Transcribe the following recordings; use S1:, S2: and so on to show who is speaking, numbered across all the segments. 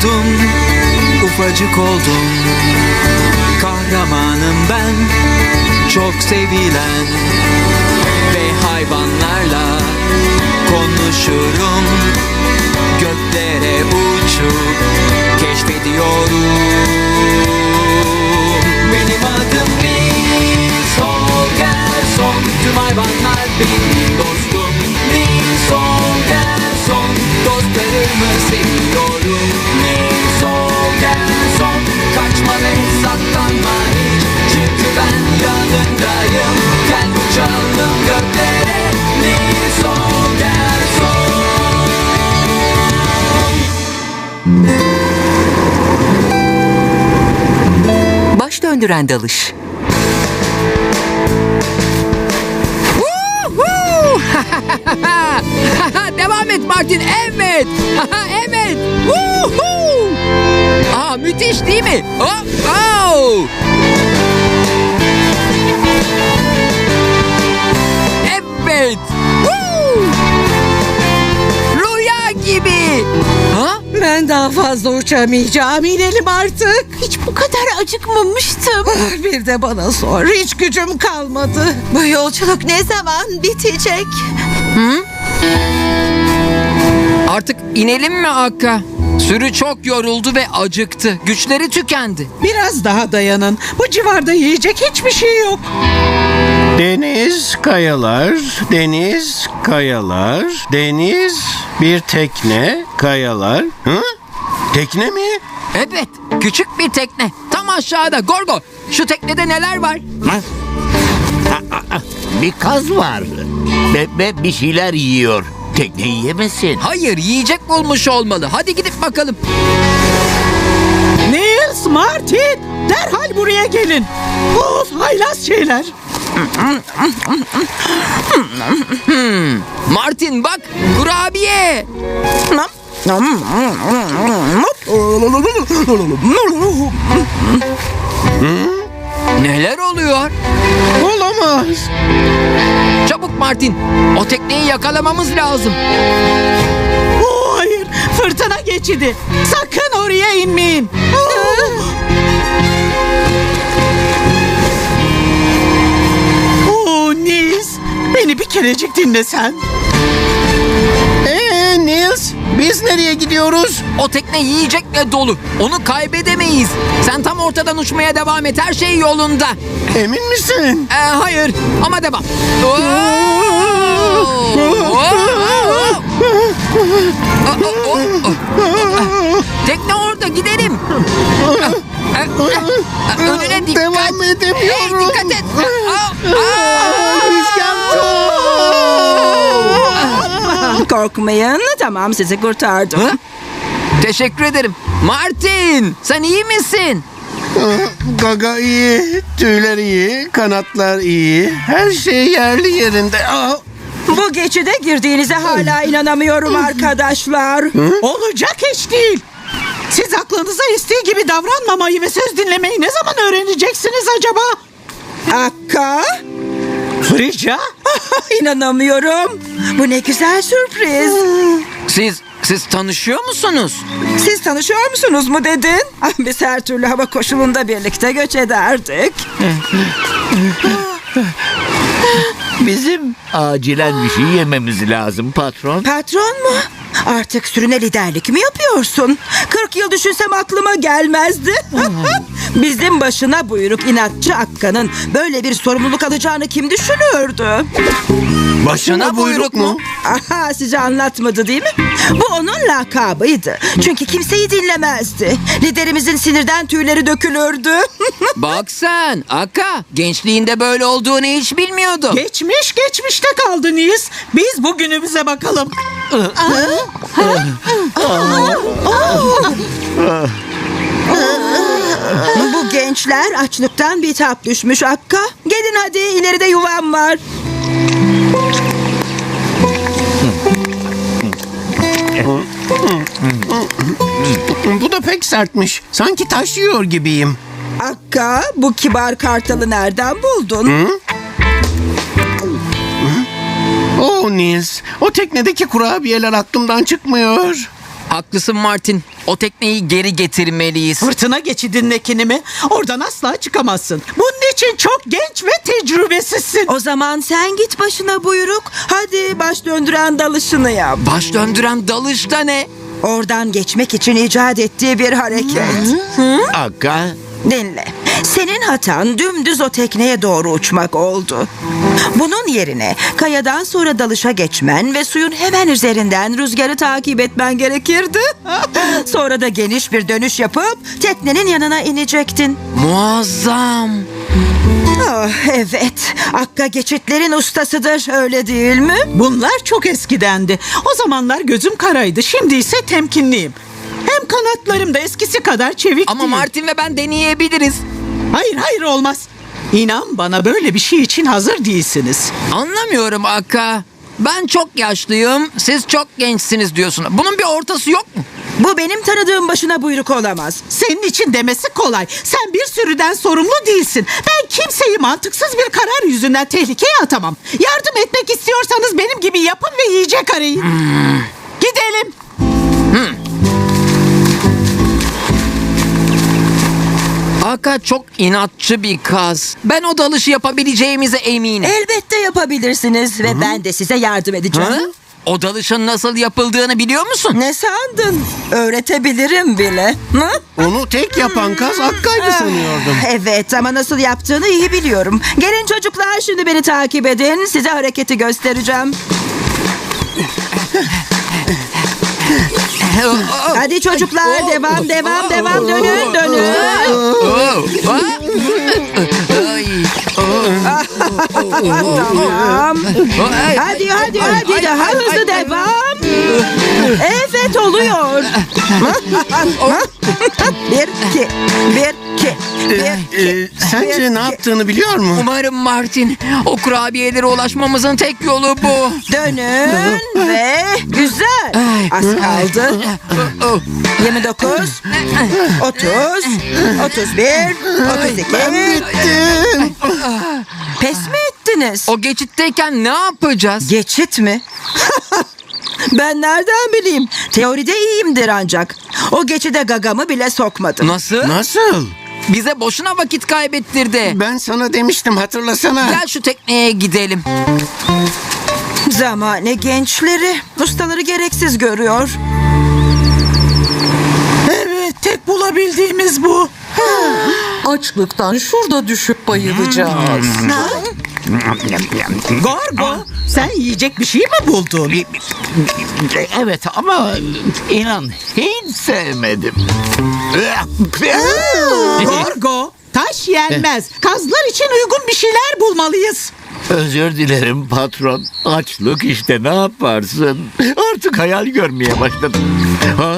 S1: oldum, ufacık oldum. Kahramanım ben, çok sevilen. Ve hayvanlarla konuşurum. Göklere uçup keşfediyorum. Benim adım Nils Holgersson. Tüm hayvanlar benim dostum. Nils Holgersson. Dostlarımı seviyorum. Nils Holgersson. Kaçma ve saklanma hiç. Çünkü ben yanındayım. Gel uçalım göklere. Nils Holgersson. Baş döndüren dalış.
S2: Devam et Martin. Evet. Evet. Aa, müthiş değil mi? Oh, oh. Evet. Rüya gibi. Ha?
S3: Ben daha fazla uçamayacağım. İnelim artık.
S4: Hiç bu kadar acıkmamıştım.
S3: Bir de bana sor. Hiç gücüm kalmadı.
S4: Bu yolculuk ne zaman bitecek?
S2: Artık inelim mi Akka? Sürü çok yoruldu ve acıktı. Güçleri tükendi.
S3: Biraz daha dayanın. Bu civarda yiyecek hiçbir şey yok.
S5: Deniz, kayalar, deniz, kayalar, deniz, bir tekne, kayalar. Hı? Tekne mi?
S2: Evet, küçük bir tekne. Tam aşağıda. Gorgo, şu teknede neler var?
S6: Bir kaz var. Ve bir şeyler yiyor. Tekneyi yemesin.
S2: Hayır, yiyecek bulmuş olmalı. Hadi gidip bakalım.
S3: Nils, Martin, derhal buraya gelin. Of, haylaz şeyler.
S2: Martin bak, kurabiye. Neler oluyor?
S5: Olamaz.
S2: Çabuk Martin, o tekneyi yakalamamız lazım.
S3: Oh, hayır, fırtına geçidi. Sakın oraya inmeyin. Oh, Nils, beni bir kerecik dinlesen.
S5: Nils, biz nereye gidiyoruz?
S2: O tekne yiyecekle dolu. Onu kaybedemeyiz. Sen tam ortadan uçmaya devam et. Her şey yolunda.
S5: Emin misin?
S2: Hayır ama devam. Tekne orada, gidelim. Önüne dikkat.
S5: Devam edemiyorum.
S2: Hey, dikkat et.
S5: Rüzgar çok.
S4: Korkmayın. Tamam, sizi kurtardım.
S2: Teşekkür ederim. Martin, sen iyi misin?
S5: Gaga iyi, tüyler iyi, kanatlar iyi. Her şey yerli yerinde.
S4: Bu geçide girdiğinize hala inanamıyorum arkadaşlar.
S3: Olacak iş değil. Siz aklınıza estiği gibi davranmamayı ve söz dinlemeyi ne zaman öğreneceksiniz acaba?
S4: Akka,
S3: Frigya?
S4: inanamıyorum. Bu ne güzel sürpriz.
S2: Siz tanışıyor musunuz?
S4: Siz tanışıyor musunuz mu dedin? Biz her türlü hava koşulunda birlikte göç ederdik.
S6: Bizim acilen bir şey yememiz lazım patron.
S4: Patron mu? Artık sürüne liderlik mi yapıyorsun? 40 yıl düşünsem aklıma gelmezdi. Bizim başına buyruk inatçı Akka'nın böyle bir sorumluluk alacağını kim düşünürdü?
S5: Başına buyruk mu?
S4: Aha, size anlatmadı değil mi? Bu onun lakabıydı. Çünkü kimseyi dinlemezdi. Liderimizin sinirden tüyleri dökülürdü.
S2: Bak sen Akka, gençliğinde böyle olduğunu hiç bilmiyordum.
S3: Geçmiş geçmişte kaldı Nils. Biz bugünümüze bakalım.
S4: Bu gençler açlıktan bitap düşmüş Akka. Gelin hadi, ileride yuvam var.
S5: Bu da pek sertmiş. Sanki taşıyor gibiyim.
S4: Akka, bu kibar kartalı nereden buldun?
S5: Oh Nils, o teknedeki kurabiyeler aklımdan çıkmıyor.
S2: Haklısın Martin. O tekneyi geri getirmeliyiz.
S3: Fırtına geçidindekini mi? Oradan asla çıkamazsın. Bunun için çok genç ve tecrübesizsin.
S4: O zaman sen git başına buyruk. Hadi baş döndüren dalışını yap.
S2: Baş döndüren dalış da ne?
S4: Oradan geçmek için icat ettiği bir hareket.
S6: Akka,
S4: Dinle. Senin hatan dümdüz o tekneye doğru uçmak oldu. Bunun yerine kayadan sonra dalışa geçmen ve suyun hemen üzerinden rüzgarı takip etmen gerekirdi. Sonra da geniş bir dönüş yapıp teknenin yanına inecektin.
S2: Muazzam.
S4: Ah, evet. Akka geçitlerin ustasıdır, öyle değil mi?
S3: Bunlar çok eskidendi. O zamanlar gözüm karaydı. Şimdi ise temkinliyim. Hem kanatlarım da eskisi kadar çevik
S2: Ama
S3: değil.
S2: Martin ve ben deneyebiliriz.
S3: Hayır olmaz. İnan bana böyle bir şey için hazır değilsiniz.
S2: Anlamıyorum Akka. Ben çok yaşlıyım, siz çok gençsiniz diyorsun. Bunun bir ortası yok mu?
S4: Bu benim tanıdığım başına buyruk olamaz.
S3: Senin için demesi kolay. Sen bir sürüden sorumlu değilsin. Ben kimseyi mantıksız bir karar yüzünden tehlikeye atamam. Yardım etmek istiyorsanız benim gibi yapın ve yiyecek arayın. Gidelim.
S2: Akka çok inatçı bir kaz. Ben o dalışı yapabileceğimize eminim.
S4: Elbette yapabilirsiniz ve ben de size yardım edeceğim.
S2: Ha? O dalışın nasıl yapıldığını biliyor musun?
S4: Ne sandın? Öğretebilirim bile. Hı?
S5: Onu tek yapan kaz Akka'ydı sanıyordum.
S4: Evet, ama nasıl yaptığını iyi biliyorum. Gelin çocuklar, şimdi beni takip edin. Size hareketi göstereceğim. Hadi çocuklar, devam. Dönün.
S2: Ay.
S4: Tamam.
S2: Ay.
S4: Hadi daha hızlı devam. Evet, oluyor. Bir, iki.
S5: Sence ne yaptığını biliyor mu?
S2: Umarım Martin. O kurabiyelere ulaşmamızın tek yolu bu.
S4: Dönün ve güzel. Az kaldı. 29, 30, 31, 32.
S5: Bittim.
S4: Pes mi ettiniz?
S2: O geçitteyken ne yapacağız?
S4: Geçit mi? Ben nereden bileyim? Teoride iyiyimdir ancak. O geçide gagamı bile sokmadım.
S2: Nasıl?
S5: Nasıl?
S2: Bize boşuna vakit kaybettirdi.
S5: Ben sana demiştim, hatırlasana.
S2: Gel şu tekneye gidelim.
S4: Zamane gençleri. Ustaları gereksiz görüyor.
S3: Evet, tek bulabildiğimiz bu.
S7: Açlıktan şurada düşüp bayılacağız.
S3: Gorgo, sen yiyecek bir şey mi buldun?
S6: evet ama inan hiç sevmedim.
S3: Gorgo, taş yenmez. Kazlar için uygun bir şeyler bulmalıyız.
S6: Özür dilerim patron. Açlık işte, ne yaparsın? Artık hayal görmeye başladım. Ha?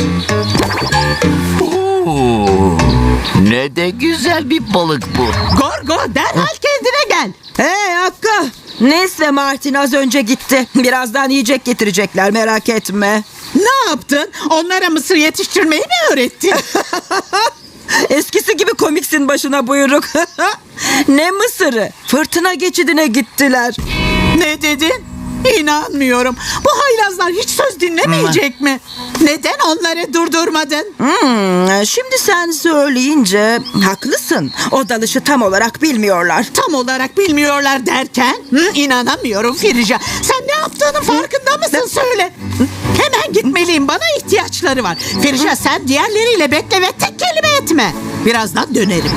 S6: Oo, ne de güzel bir balık bu.
S3: Gorgo, derhal kendine gel.
S4: Hey Hakka. Nes ve Martin az önce gitti. Birazdan yiyecek getirecekler, merak etme.
S3: Ne yaptın? Onlara mısır yetiştirmeyi mi öğrettin?
S4: Eskisi gibi komiksin başına buyruk. Ne mısırı? Fırtına geçidine gittiler.
S3: Ne dedin? İnanmıyorum. Bu haylazlar hiç söz dinlemeyecek mi? Neden onları durdurmadın?
S4: Şimdi sen söyleyince haklısın. O dalışı tam olarak bilmiyorlar.
S3: Tam olarak bilmiyorlar derken? İnanamıyorum Firija. Sen ne yaptığının farkında mısın söyle. Hemen gitmeliyim. Bana ihtiyaçları var. Firija, sen diğerleriyle bekle ve tek kelime etme. Birazdan dönerim.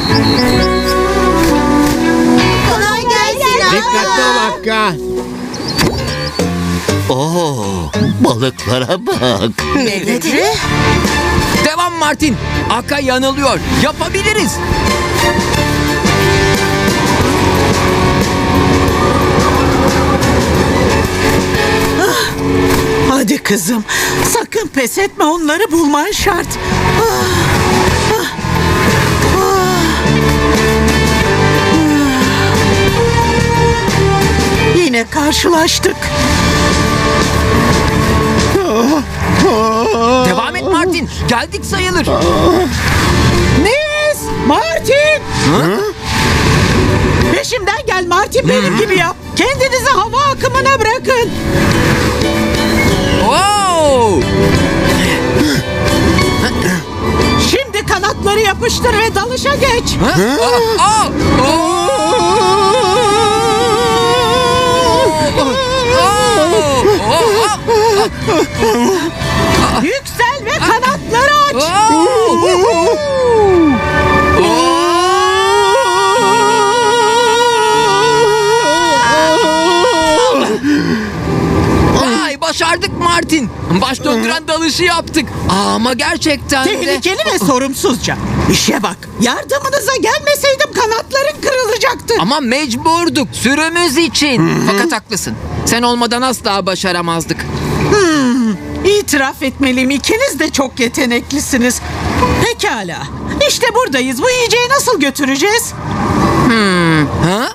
S8: Kolay gelsin.
S5: Dikkatli ol Akka.
S6: Oo, balıklara bak.
S4: Ne dedi?
S2: Devam Martin. Akka yanılıyor. Yapabiliriz.
S3: Hadi kızım. Sakın pes etme, onları bulman şart. Yine karşılaştık.
S2: Devam et Martin. Geldik sayılır.
S3: Nils! Martin! Peşimden gel Martin, benim gibi yap. Kendinizi hava akımına bırakın.
S2: Wow!
S3: kanatları yapıştır ve dalışa geç. Yüksel ve kanatları aç.
S2: Vay, başardık Martin. Baş döndüren dalışı yaptık. Ama gerçekten de...
S3: Tehlikeli ve sorumsuzca. İşe bak. Yardımınıza gelmeseydim kanatların kırılacaktı.
S2: Ama mecburduk sürümüz için. Fakat haklısın. Sen olmadan asla başaramazdık.
S3: İtiraf etmeliyim, ikiniz de çok yeteneklisiniz. Pekala. İşte buradayız. Bu yiyeceği nasıl götüreceğiz?
S2: Ha?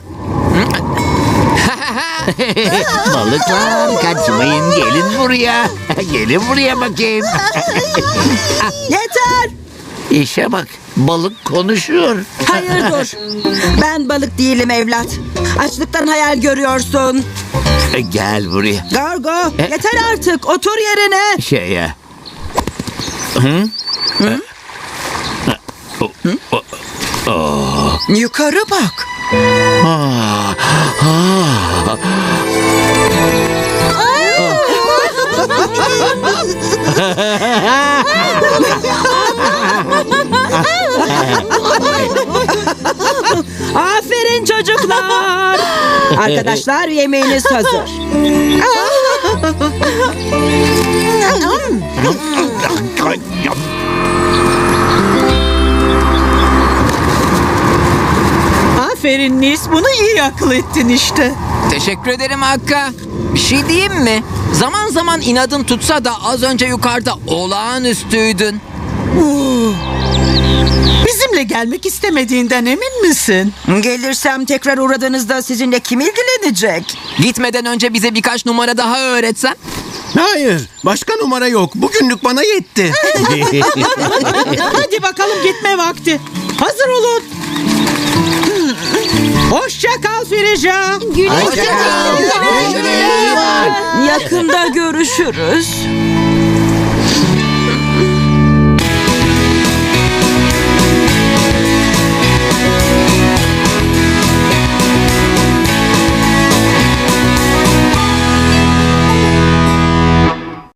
S6: Balıklar kaçmayın, gelin buraya. Gelin buraya bakayım.
S4: Yeter.
S6: İşe bak, balık konuşuyor.
S4: Hayır dur. Ben balık değilim evlat. Açlıktan hayal görüyorsun.
S6: Gel buraya.
S4: Gargo yeter artık. Otur yerine.
S6: Şeye.
S4: Yukarı bak. Aferin çocuklar. Arkadaşlar yemeğiniz hazır.
S3: Aferin Nis, bunu iyi akıl ettin işte.
S2: Teşekkür ederim Hakka. Bir şey diyeyim mi? Zaman zaman inadın tutsa da az önce yukarıda olağanüstüydün.
S3: Bizimle gelmek istemediğinden emin misin?
S4: Gelirsem tekrar uğradığınızda sizinle kim ilgilenecek?
S2: Gitmeden önce bize birkaç numara daha öğretsen.
S5: Hayır, başka numara yok. Bugünlük bana yetti.
S3: Hadi bakalım, gitme vakti. Hazır olun. Hoşça kal Firija.
S4: Yakında görüşürüz.